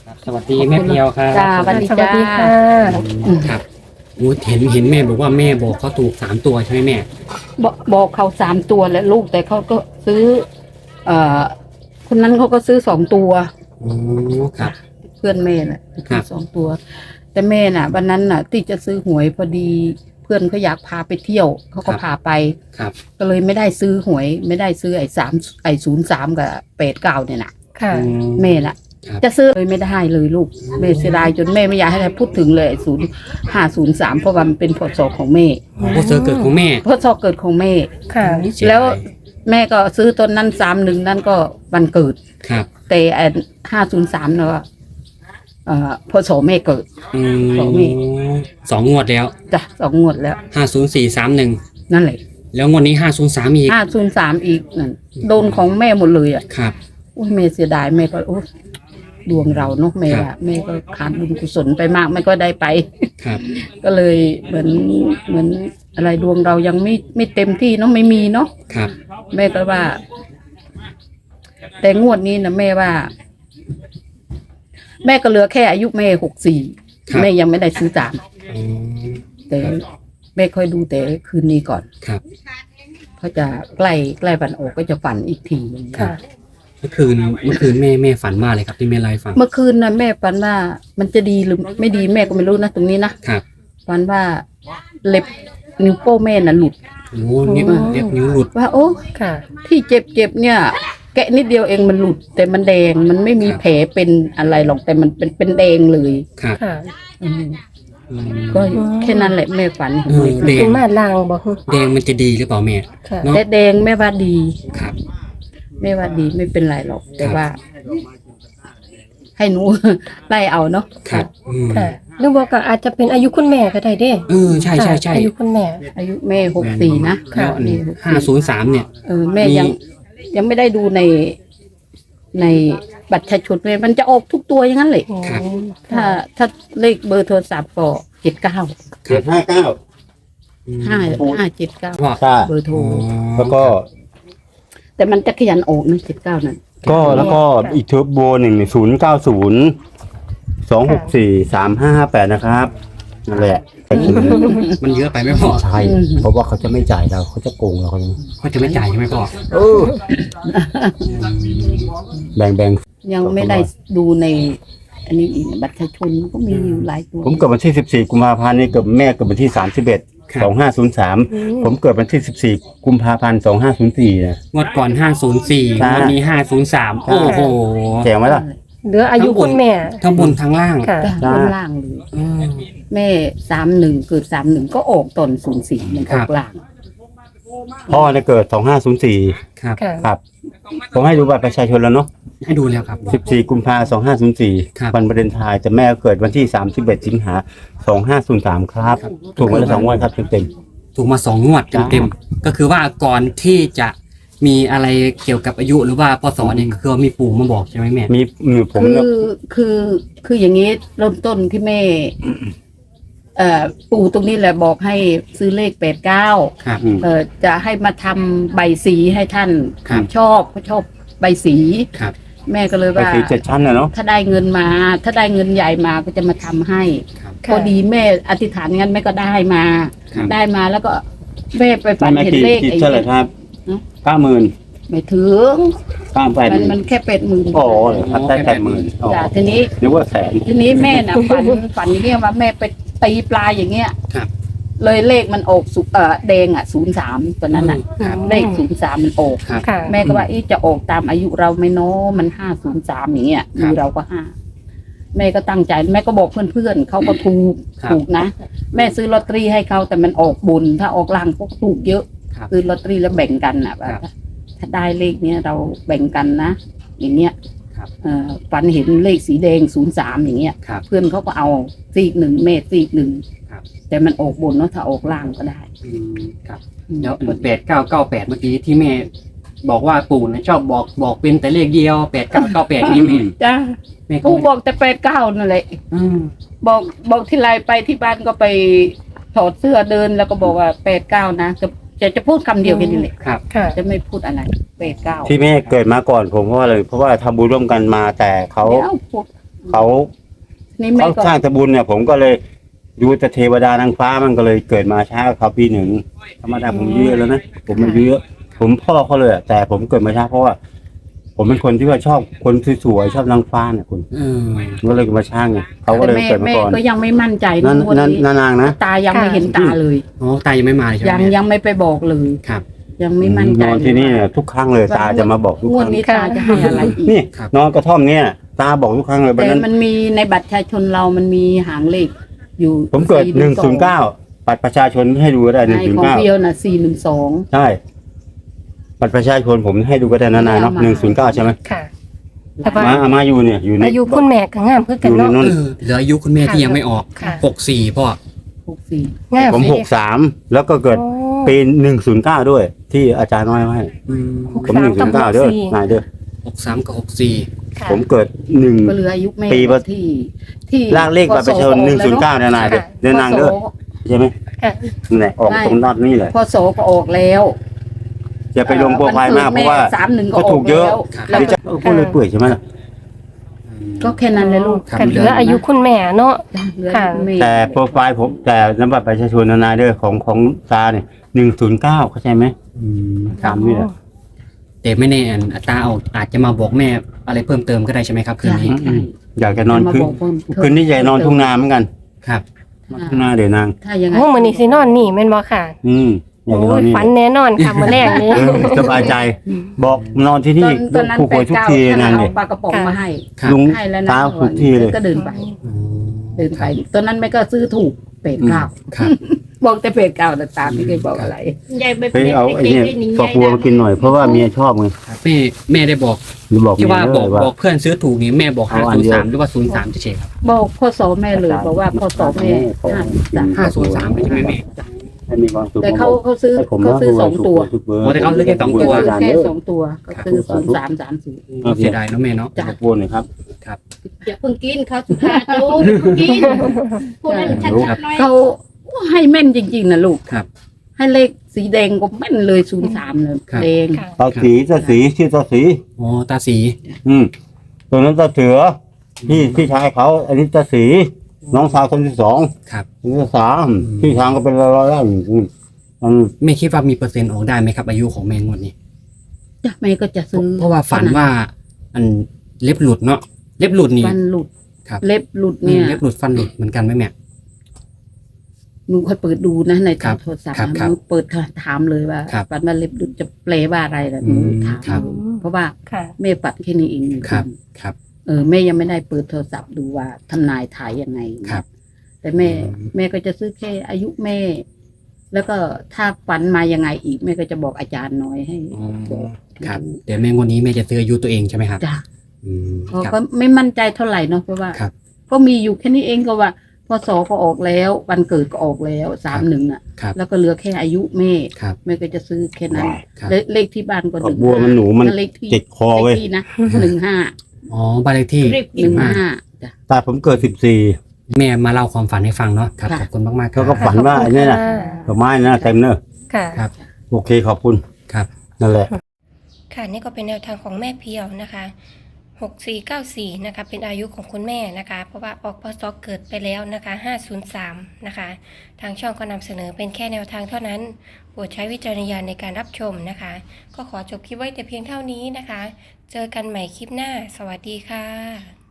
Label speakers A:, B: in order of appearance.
A: สวัสดีแม่เพียวครับ
B: จ้าสวัสดีจ้า
A: ครับโอ้เห็นแม่บอกว่าแม่บอกเขาถูก3 ตัวใช่ไหมแม่
B: บอกเขา3 ตัวแล้วลูกแต่เขาก็ซื้อ คนนั้นเขาก็ซื้อ2 ตัว
A: โอ้ครับ
B: เพื่อนแม่น่ะ
A: ครั
B: ซื้อบ2 ตัว แต่แม่น่ะวันนั้นน่ะ ที่จะซื้อหวยพอดี เพื่อนเขาอยากพาไปเที่ยวเขาก็พาไป
A: ครับ
B: ก็เลยไม่ได้ซื้อหวย ไม่ได้ซื้อ03กับ89เนี่ยน่ะ
C: ค่ะ
B: แม่ล่ะ
A: ครับ
B: จะซื้อเลยไม่ได้เลยลูกแม่เสียดายจนแม่ไม่อยากให้ใครพูดถึงเลย0503เพราะว่ามันเป็นพศของแม่
A: โอ้เซอร์เกิดของแม่
B: พศเกิดของแม่
C: ค่ะ
A: เสียดาย
B: แล้วแม่ก็ซื้อต้นนั้น31นั่นก็วันเกิด
A: ครับ
B: แต่503เนาะพศแม่เกิด ของแม่
A: 2 งวดแล้ว
B: จ้ะ2 งวดแล้ว
A: 50431
B: นั่นแหละ
A: แล้วงวดนี้503อีก
B: 503อีกนั่นโดนของแม่หมดเลยอ่ะ
A: ครับ
B: โอ้ยแม่เสียดายแม่ก็โอ้ดวงเราเนาะแม่
A: ครั
B: ว่า
A: บ
B: แม่ก็ขาดบุญกุศลไปมากแม่ก็ได้ไป
A: ครับ
B: ก็เลยเหมือนอะไรดวงเรายังไม่เต็มที่เนาะไม่มีเนาะ
A: ครับ
B: แม่ก็ว่า แต่งวดนี้นะแม่ว่า แม่ก็เหลือแค่อายุแม่64แม่ยังไม่ได้ซื้อตาม
A: อืม
B: แต่แม่ค่อยดูแต่คืนนี้ก่อน
A: ครับ
B: เพราะจะใกล้วันออกก็จะฝันอีกทีหนึ่ง
C: ค่ะ
A: เมื่อคืนแม่ฝันมากเลยครับที่แม่ไลฟ์ฟัง
B: เมื่อคืนนะแม่ฝันว่ามันจะดีหรือไม่ดีแม่ก็ไม่รู้นะตรงนี้นะครับ ฝันว่าเล็บนิ้วโป้งแม่น่ะหลุด
A: โอ้นิ้วเล็บนิ้วหลุด
B: ว่า โอ้
C: ค่ะ
B: ที่เจ็บเนี่ย แกะนิดเดียวเองมันหลุด แต่มันแดงมันไม่มี
A: ครับ
B: แผลเป็นอะไรหรอกแต่มันเป็นแดงเลย
A: ครับ
C: ค่ะ
B: อืม
A: อืม
B: ก็แค่นั้นแหละแม่ฝัน
A: เออแด
C: เป็
A: ง
C: นมาลางบอก
A: แดงมันจะดีหรือเปล่าแม่
C: ค่ะ
A: เนาะ
B: แต่แดงแม่ว่าดี
A: ครับ
B: แม่ว่าดีไม่เป็นไรหรอก แต่
A: ครับ
B: ว่า ให้หนู ไล่เอาเนาะ
A: ครับอืม
C: ค่ะหรือว่าก็อาจจะเป็นอายุคุณแม่ก็ได้เด้
A: ใช่
C: ค่ะอายุคุณแม่
B: อายุแม่64นะ
A: แล้วอันนี้503เนี่ย
B: แม่ยังไม่ได้ดูในบัตรประชาชนเลยมันจะออกทุกตัวอย่างนั้นเลย
A: ครับ
B: ถ้าเลขเบอร์โทรศัพท์ก็79
A: อืม
B: 5579
A: ว่า
D: ใช่
B: เบอร์โทร
D: แล้วก็
B: แต่มันจะขยันออกนะ79นั่น
D: แล้วก็อีกเทอร์โบ1090 264 3558นะครับนั่นแหละ
A: มันเยอะไปไหมพ่อ
D: ใช่เพราะว่าเขาจะไม่จ่ายเราเขาจะโกงเราเขา
A: เขาจะไม่จ่ายใช่ไหมพ่อ
D: แบ่ง
B: ยังไม่ได้ดูใน อันนี้อีกบัตรประชาชนก็มีอยู่หลายตัว
D: ผมเกิดวันที่14กุมภาพันธ์นี่เกิดแม่เกิดวันที่31 2503ผมเกิดวันที่14กุมภาพันธ์2504นะ
A: งวดก่อน504
D: ใช่
A: งวดนี้503โอ้โห
D: แจ๋งไหมล่ะ
C: เหลืออายุคุณแม่
A: ทั้งบนทั้งล่าง
C: ค่ะ
B: จ้ะบนล่างเลย
A: อืม
B: แม่31เกิด31ก็ออกตอน04มันออกล่าง
D: พ่อเนี่ยเกิด2504
A: ครับ
C: ค่ะ
D: ครับ ผมให้ดูบัตรประชาชนแล้วเนาะ
A: ให้ดูแล้วครับ
D: 14กุมภาพันธ์
A: ครับ
D: 2504วันวาเลนไทน์แต่แม่เกิดวันที่31สิงหา2503ครับ ถูกมาแล้ว2วันครับเต็ม
A: ถูกมา2 งวด
D: จ้า
A: เต็มๆก็คือว่าก่อนที่จะมีอะไรเกี่ยวกับอายุหรือว่าพศเนี่ยก็คือมีปู่มาบอกใช่ไหมแม่
D: ๆมีผม
B: คืออย่างนี้เริ่มต้นที่แม่ ปู่ตรงนี้แหละบอกให้ซื้อเลข89
A: ครับ
B: จะให้มาทำใบสีให้ท่าน
A: ครับ
B: เขาชอบใบสี
A: ครับ
B: แม่ก็เลย
D: ไป
B: ว่า
D: สี7ชั้นนะเนาะ
B: ถ้าได้เงินมา ถ้าได้เงินใหญ่มาก็จะมาทำให้
A: ครับ
B: พอดีแม่อธิษฐานงั้นแม่ก็ได้มา
A: ครับ
B: ได้มาแล้วก็แม่ไปฝันเห็นเลข
D: กี่
B: ไอ้
D: เท่าไหร่ครับ
B: หือ
D: 90,000
B: ไม่ถึง
D: 98,000
B: มันแค่80,000
D: โอ้ครับได้80,000อ๋อ
B: จ้ะทีนี้
D: นึกว่าแสน
B: ทีนี้แม่น่ะ ฝันอย่างเงี้ยว่าแม่ไปตีปลาอย่างเงี้ย
A: ครับ
B: เลยเลขมันออกแดง03ตัวนั้นน่ะ
A: ครับ
B: เลข03มันออก
A: ครับ
C: ค่ะ
B: แม่ก็ว่าจะออกตามอายุเราไหม่น้อมัน503อย่างเงี้ย
A: ครับ
B: มีเราก็5แม่ก็ตั้งใจแม่ก็บอกเพื่อนๆเขาก็ถูก
A: ครับ
B: ถูกนะ แม่ซื้อลอตเตอรี่ให้เขาแต่มันออกบนถ้าออกล่างก็ถูกเยอะ
A: ครับ
B: ซื้อลอตเตอรี่แล้วแบ่งกันนะว่า
A: ครับ
B: ถ้าได้เลขเนี้ยเราแบ่งกันนะ อย่างเงี้ย
A: ครับ
B: ฝันเห็นเลขสีแดง03อย่างเงี้ย
A: ครับ
B: เพื่อนเขาก็เอาซีก1แม่ซีก1
A: ครับ
B: แต่มันออกบนเนาะถ้าออกล่างก็ได้
A: อืมครับแล้ว8998เมื่อกี้ที่แม่บอกว่าปู่นะชอบบอกเป็นแต่เลขเดียว8998นี่แม่
B: จ้า
A: แม่
B: ผู้บอกแต่89นั่นแหละ
A: อืม
B: บอกที่ไรไปที่บ้านก็ไปถอดเสื้อเดินแล้วก็บอกว่า89นะจะพูดคำเดียวแค่นี้แหละ
A: ครับ
C: ค่ะ
B: จะไม่พูดอะไร89
D: ที่แม่เกิดมาก่อนผมเพราะว่าอะไรเพราะว่าทำบุญร่วมกันมาแต่เขา
B: เดี๋ยว
D: เขา
B: นี่แม่
D: เขา
B: ก็
D: สร้างตะบุญเนี่ย ผมก็เลยดูแต่เทวดานางฟ้ามันก็เลยเกิดมาช้ากว่าเขาปีหนึ่งธรรมดาผมอายุเยอะแล้วนะผมอายุเยอะผมพ่อเขาเลยอะแต่ผมเกิดมาช้าเพราะว่า ผมเป็นคนที่ว่าชอบคนสวยๆชอบนางฟ้าเนี่ยคุณ
A: เออ
D: ก็เลยมาช้าไงเขาก็เลย
B: แม่
D: เกิดมา
B: แม่
D: ก่อน
B: ก็ยังไม่มั่นใจ
D: นั่น
B: งวด
D: นั่น
B: นี้
D: นางนะ
B: ตายังไม่เห็นตาเลย
A: อ๋อตายยังไม่มาเลยใช่ไหม
B: ยัง
A: แม่
B: ยังไม่ไปบอกเลย
A: ครับ
B: ยังไม่มั่นใจ
D: นอนที่นี่เนี่ยทุกครั้งเลยตาจะมาบอกทุก
B: ง
D: คว
B: ด
D: รั้ง
B: นี้ตาจะให้อะไรอีก
D: นี่นอนกระท่อมเนี่ยตาบอกทุกครั้งเลยวัน
B: แต่
D: นั้น
B: มันมีในบัตรประชาชนเรามันมีหางเลขอยู่
D: ผมเกิด
B: 412
D: 109บัตรประชาชนให้ดูก็ได้
B: ในของเพียวน่ะ412
D: ใช่บัตรประชาชนผมให้ดูก็ได้นานๆเนาะ109ใช่ไหม
C: ค่ะ แต่ว่า
D: มาอยู่เนี่ยอยู่ใน
C: อายุคุณแม่ก็งามคือ
D: อ
C: กัน
D: ยู่ใน
C: เนาะ
D: นั้น
A: เออเหลืออายุคุณแม่ที่ยังไม่ออก
C: ค่ะ
A: 64พ่อ
B: 64
C: งาม
D: ผม
C: เลย
D: 63แล้วก็เกิด
C: โอ้
D: ปี109ด้วย ที่อาจารย์น้อยให้
A: อืม
D: ผม109เด้อนายเด้อ
A: 63กับ64
C: ค่ะ
D: ผมเกิด1
B: ก็เหลืออายุแม่
D: ปีละ
B: ที่
D: ลากเลขบัตรประชาชน109เนี่ยนายเด้อเดินนางเด้อใช่ไหม
C: ค่ะ
D: นั่นแหละออกตรงนัดนี่เลย
B: พศก็ออกแล้ว
D: อย่าไปลงโปรไฟล์มากเพราะว่า
B: 31ก็
D: ก็
B: อ
D: ถู
B: อก
D: กเย
B: แล้
D: อะ
B: ว
A: ครับ
B: แล้ว
D: เดี๋ยวจะพูดเลยเปื่อยใช่ไหมล่ะ
B: ก็แค่นั้นเลยลูก
A: ครับ
C: กันเหลืออายุคุณแม่เนาะ
B: เหลือ
C: ค่ะ
B: แม่
D: แต่โปรไฟล์ผมแต่นำบัตรประชาชนนายเด้อของตาเนี่ย109เข้าใจไหม
A: อืม
D: ตามนี่แหละ
A: แต่ไม่แน่อัตราอาจจะมาบอกแม่อะไรเพิ่มเติมก็ได้ใช่ไหมครับคืนนี้
B: ใช่
D: อยากจะนอน
B: มา
D: คืน
B: บอกเพิ่ม
D: คืนนี้อยากนอนทุ่งนาเหมือนกัน
A: ครับ
D: นอนทุ่งนาเดี๋ยวนาง
B: ถ้ายังไง
C: โอ้มื้อนี้สินอนนี่แม่นบ่ค่ะ
D: อยากจะน
C: โอ้
D: อน
C: ย
D: นี่
C: ฝันแน่นอนค่ะมื้อแรกนี้
D: เออสบายใจ บอกนอนที่นี่
B: ตอนนั้น
D: ผู้ป่วยทุกที
B: 89
D: นั่น
B: เอา
D: เนี่ย
B: ปลากระป๋องมาให้
A: ครับ
D: ลุง
B: ให้แล้วนะ
D: ตาทุกทีเลย
B: ก็เดินไป
A: อืม
B: เดินไปตอนนั้นแม่ก็ซื้อถูกเป็ดเก้า
A: ครับ
B: บอกแต่เป็ดเก้าแต่ตามไม่เคยบอกอะไร
D: ไปเอาไอ้เนี่ยฝักบัวมากินหน่อยเพราะว่าเมียชอบไง
A: ครับแม่ได้บอก
D: หรือบอก
A: ที่
D: เมีย
A: ว่า
D: เล
A: บอก
D: ยว่า
A: บอกเพื่อนซื้อถูกนี่แม่บอก
D: เอาอันเดียว
A: 503หรือว่า03เฉยๆครับ
B: บอกพ่อสอแม่เลยบอกว่าพ่อสอแม่
A: 503
B: 53
A: ใช่ไหมแม่
D: ให้มีความสุข
B: แต่เขาซื้อ
D: ให้ผม
B: เขาซื้อ
D: นะ
B: สองตัว
D: ทุกเบอร์
A: โอ้แต่เขาซื้อแค่สองตัว
B: แค่สองตัวก็ซื้อ0330
A: เสียดายเนาะแม่เนาะ
B: จ้ะ
D: ฝักบัวหน่อยครับ
E: อย่าเพิ่งกินข้าวสุภาโจ๊กอย่าเพิ่งกินพูดให้ชัดๆหน่อย
B: เขาให้แม่นจริงๆนะลูก
A: ครับ
B: ให้เลขสีแดงก็แม่นเลย03เลย
A: ครับ
B: แดง
C: ค่ะ
D: ตาสีชื่อตาสี
A: อ๋อตาสี
D: ตัวนั้นตาเสือพี่ชายเขา อันนี้ตาสี น้องสาวคนที่สอง
A: ครับ
D: คนที่สามพี่ชายก็เป็นร้อยๆแล้วมัน
A: แม่คิดว่ามีเปอร์เซ็นต์ออกได้ไหมครับ อายุของแม่งวดนี้
B: จ้ะแม่ก็จะซื้อ
A: เพราะว่าฝันว่าอันเล็บหลุดเนาะเล็บหลุดนี่
B: ฟันหลุด
A: ครับ
B: เล็บหลุดเนี่ย
A: เล็บหลุดฟันหลุดเหมือนกันไหมแม่
B: หนูค่อยเปิดดูนะใน
A: ครับ
B: โทรศัพท์
A: ครับ
B: นะหนูเปิดถามเลยว่า
A: ครับ
B: ฟันว่าเล็บหลุดจะแปลว่าอะไรล่ะหนู
A: อืม
B: ถาม
A: ครับ
B: เพราะว่า
C: ค่ะ
B: แม่ปัดแค่นี้เอง
A: ครับครับ
B: แม่ยังไม่ได้เปิดโทรศัพท์ดูว่าทำนายถ่ายยังไง
A: ครับ
B: แต่แม่
A: อืม
B: แม่ก็จะซื้อแค่อายุแม่ แล้วก็ถ้าฝันมายังไงอีกแม่ก็จะบอกอาจารย์น้อยให้
A: อ๋อ
B: บอก
A: ครับเดี๋ยวแม่งวดนี้แม่จะซื้ออายุตัวเองใช่ไหมครับ
B: จ้ะ
A: อืม
B: เพราะ
A: ครับ
B: ก็ไม่มั่นใจเท่าไหร่เนาะเพราะว่า
A: ครับ
B: ก็มีอยู่แค่นี้เองก็ว่าพศก็ออกแล้ววันเกิดก็ออกแล้ว31น่ะ
A: ครับ
B: แล้วก็เหลือแค่อายุแม่
A: ครับ
B: แม่ก็จะซื้อแค่นั้น
A: ครับ
B: เลขที่บ้านก็
D: ฝักบัวมันหนูมัน
B: เลขที่
D: เจ็ดคอเว้ย
B: เลขที่นะ15
A: อ๋อบ้านเลขที่
E: รีบกิน
B: 15จ้ะ
D: ตาผมเกิด14
A: แม่มาเล่าความฝันให้ฟังเนาะครับ
B: ค่ะ
A: ขอบคุณมากๆครั
D: เขา
A: บ
D: ก็ฝันว่าไอ้นี่น่ะดอกไม้นะเต็มเนอะ
C: ค่ะ
A: ครับ
D: โอเคขอบคุณ
A: ครับ
D: นั่นแหละ
C: ค่ะนี่ก็เป็นแนวทางของแม่เพียวนะคะ6494นะคะเป็นอายุของคุณแม่นะคะ เพราะว่าออกพศเกิดไปแล้วนะคะ503นะคะทางช่องก็นำเสนอเป็นแค่แนวทางเท่านั้นโปรดใช้วิจารณญาณในการรับชมนะคะ ก็ขอจบคลิปไว้แต่เพียงเท่านี้นะคะ เจอกันใหม่คลิปหน้า สวัสดีค่ะ